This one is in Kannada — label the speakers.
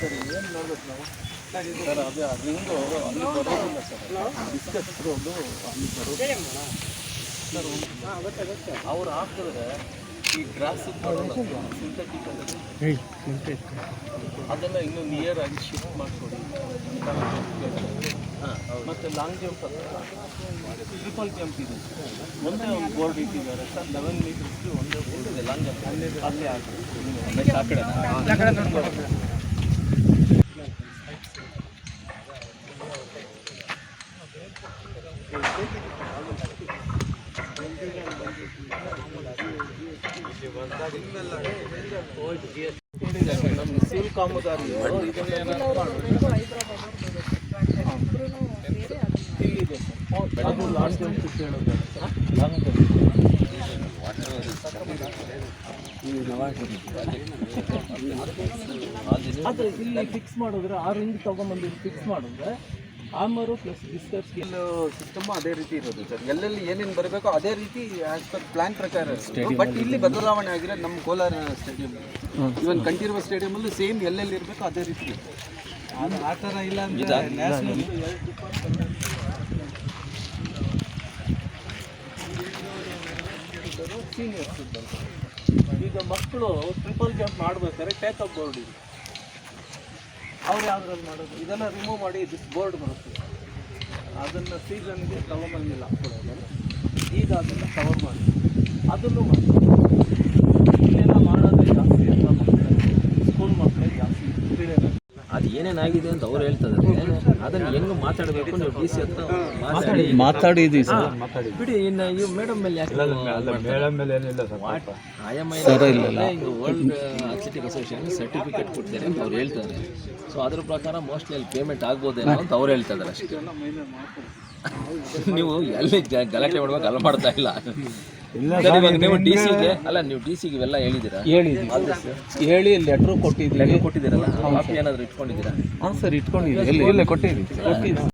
Speaker 1: ಸರ್ ಏನು ನೋಡ್ಬೇಕು ನಾವು ಸರ್ ಅದೇ ಅದರಿಂದ ಅಲ್ಲಿ ಬರೋದಿಲ್ಲ ಸರ್ ಡಿಸ್ಕಸ್ ರೋಡು ಅಲ್ಲಿ ಬರೋದು ಸರ್ ಅವ್ರು ಹಾಕಿದ್ರೆ ಈ ಗ್ರಾಸ್ ಸಿಂಥೆಟಿಕ್ ಅದನ್ನು ಇನ್ನೂ ನಿಯರ್ ಆಗಿ ಶಿಫ್ಟ್ ಮಾಡಿಕೊಡಿ. ಮತ್ತು ಲಾಂಗ್ ಜಂಪ್ ಟ್ರಿಪಲ್ ಜಂಪ್ ಇದೆ, ಒಂದೇ ಒಂದು ಬೋರ್ಡ್ ಇಟ್ಟಿದ್ದಾರೆ ಸರ್. 11 ಮೀಟರ್ಸ್ಗೆ ಒಂದೇ ಬೋರ್ಡ್ ಇದೆ ಲಾಂಗ್ ಜಂಪ್. ಅಲ್ಲೇ ಹಾಕಿ ಆ ಕಡೆ ನೋಡ್ಕೊಂಡು ನಮ್ಮ ಸಿವಿಲ್ ಕಾಮಗಾರಿ ಇಲ್ಲಿದೆ ಸರ್. ಅದು ಲಾಂಗ್ ಜಂಪ್ ಹೇಳೋದು ಲಾಂಗ್ ಅದು ಇಲ್ಲಿ ಫಿಕ್ಸ್ ಮಾಡಿದ್ರೆ 6 ಇಂಚ್ ತೊಗೊಂಬಂದು ಫಿಕ್ಸ್ ಮಾಡಿದ್ರೆ ಆಮರು ಪ್ಲಸ್ ಡಿಸ್ಕಸ್ ಸಿಸ್ಟಮ್ ಅದೇ ರೀತಿ ಇರೋದು ಸರ್. ಎಲ್ಲೆಲ್ಲಿ ಏನೇನು ಬರಬೇಕೋ ಅದೇ ರೀತಿ ಆಸ್ ಪರ್ ಪ್ಲಾನ್ ಪ್ರಕಾರ. ಬಟ್ ಇಲ್ಲಿ ಬದಲಾವಣೆ ಆಗಿರೋದು ನಮ್ಮ ಕೋಲಾರ ಸ್ಟೇಡಿಯಂ, ಇವನ್ ಕಂಠೀರವ ಸ್ಟೇಡಿಯಮಲ್ಲಿ ಸೇಮ್ ಎಲ್ಲೆಲ್ಲಿ ಇರಬೇಕೋ ಅದೇ ರೀತಿ ಅದು ಆ ಥರ ಇಲ್ಲ ಅಂತ ನ್ಯಾಷನಲ್ ಸೀನಿಯರ್ಸ್ ಇದ್ದಾರೆ. ಈಗ ಮಕ್ಕಳು ಟ್ರಿಪಲ್ ಜಂಪ್ ಮಾಡಬೇಕಾದ್ರೆ ಟೇಕಪ್ ಬೋರ್ಡ್ ಇದೆ, ಅವ್ರು ಯಾವ್ದ್ರಲ್ಲಿ ಮಾಡೋದು ಇದೆಲ್ಲ ರಿಮೂವ್ ಮಾಡಿ ದಿಸ್ ಬೋರ್ಡ್ ಬರುತ್ತೆ. ಅದನ್ನು ಸೀಸನ್ಗೆ ತಗೊಂಬಂದಿಲ್ಲ ಹಾಕ್ಕೊಡೋದಲ್ಲ, ಈಗ ಅದನ್ನು ಕವರ್ ಮಾಡಿ ಅದನ್ನು ಮಾಡಿ ಇಲ್ಲೆಲ್ಲ ಮಾಡೋದೇ ಜಾಸ್ತಿ ಅಂತ ಮಕ್ಕಳು ಸ್ಕೂಲ್ ಮಕ್ಕಳೇ ಜಾಸ್ತಿ ತಿಳಿಯೋದು.
Speaker 2: ಅದು ಏನೇನಾಗಿದೆ ಅಂತ ಅವ್ರು ಹೇಳ್ತಾರೆ. ಅದನ್ನು ಹೆಂಗೆ ಮಾತಾಡಬೇಕು ನೀವು ಡಿ ಸಿ ಹತ್ರ
Speaker 3: ಮಾತಾಡಿದ್ವಿ ಸರ್.
Speaker 2: ಬಿಡಿ. ಇನ್ನು ಇವು ಮೇಡಮ್ ಮೇಲೆ ಯಾಕೆ
Speaker 3: ಮೇಡಮ್ ಮೇಲೆ ಏನಿಲ್ಲ ಸರ್.
Speaker 2: ಈಗ ವರ್ಲ್ಡ್ ಅಥ್ಲೆಟಿಕ್ ಅಸೋಸಿಯೇಷನ್ ಸರ್ಟಿಫಿಕೇಟ್ ಕೊಡ್ತಾರೆ ಅಂತ ಅವ್ರು ಹೇಳ್ತಾರೆ. ಸೊ ಅದ್ರ ಪ್ರಕಾರ ಮೋಸ್ಟ್ಲಿ ಅಲ್ಲಿ ಪೇಮೆಂಟ್ ಆಗ್ಬೋದೇನೋ ಅಂತ ಅವ್ರು ಹೇಳ್ತಾ ಇದ್ದಾರೆ ಅಷ್ಟೇ. ನೀವು ಎಲ್ಲಿ ಗಲಾಟೆ ಮಾಡುವಾಗ ಅಲ್ಲ ಮಾಡ್ತಾ ಇಲ್ಲ. ನೀವು ಡಿ ಸಿಗೆ ಅಲ್ಲ, ನೀವು ಡಿ ಸಿಗೆ ಇವೆಲ್ಲ ಹೇಳಿದ್ದೀರಾ?
Speaker 3: ಹೇಳಿ ಲೆಟ್ರು ಕೊಟ್ಟಿದ್ದೀರಲ್ಲ,
Speaker 2: ಕಾಪಿ ಏನಾದರೂ ಇಟ್ಕೊಂಡಿದ್ದೀರಾ?
Speaker 3: ಹಾಂ ಸರ್, ಇಟ್ಕೊಂಡಿದ್ದೀವಿ. ಎಲ್ಲ ಕೊಟ್ಟಿದ್ದೀವಿ.